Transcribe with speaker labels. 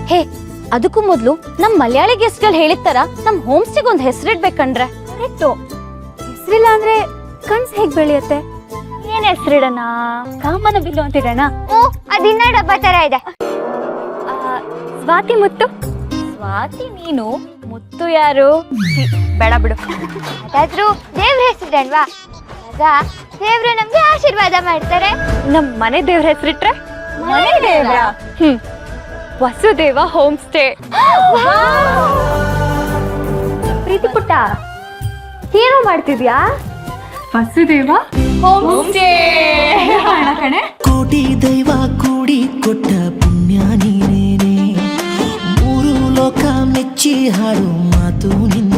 Speaker 1: ಹೇ ಅದಕ್ಕೂ ಮೊದ್ಲು ನಮ್ ಮಲಯಾಳಿ ಗೆಸ್ಟ್ಗಳು ಹೇಳಿರ್ತಾರ ನಮ್ ಹೋಮ್ ಸ್ಟೇಗ್ ಒಂದ್ ಹೆಸರಿಡ್ಬೇಕಂಡ್ರೆ.
Speaker 2: ಕರೆಕ್ಟು. ಹೆಸರಿಲ್ಲ ಅಂದ್ರೆ ಕನ್ಸ್ ಹೇಗ್ ಬೆಳೆಯುತ್ತೆ?
Speaker 1: ಏನ್ ಹೆಸರಿಡಣ? ಕಾಮನ ಬಿಲ್ಲು ಅಂತಿಡಣ.
Speaker 2: ಓ ಅದಿನ್ನ ಡಬ್ಬ ತರ ಇದೆ.
Speaker 1: ಸ್ವಾತಿ ಮುತ್ತು. ಸ್ವಾತಿ ನೀನು, ಮುತ್ತು ಯಾರು? ಬೇಡ ಬಿಡು.
Speaker 2: ಅದಾದ್ರೂ ದೇವ್ರ ಹೆಸರಿಡಲ್ವಾ? ಆಗ ದೇವ್ರು ನಮ್ಗೆ ಆಶೀರ್ವಾದ ಮಾಡ್ತಾರೆ.
Speaker 1: ನಮ್ ಮನೆ ದೇವ್ರ ಹೆಸರಿಟ್ರೆ ಮನೆ ದೇವ್ರ. Vasudeva home stay.
Speaker 2: ಪ್ರೀತಿ ಪುಟ್ಟ ಏನೋ ಮಾಡ್ತಿದ್ಯಾ?
Speaker 1: Vasudeva home stay.
Speaker 3: ಕೋಟಿ ದೈವ ಕೂಡಿ ಕೊಟ್ಟ ಪುಣ್ಯ ನೀನೇನೆ, ಮೂರು ಲೋಕ ಮೆಚ್ಚಿ ಹಾಡು ಮಾತು ನಿನ್ನ.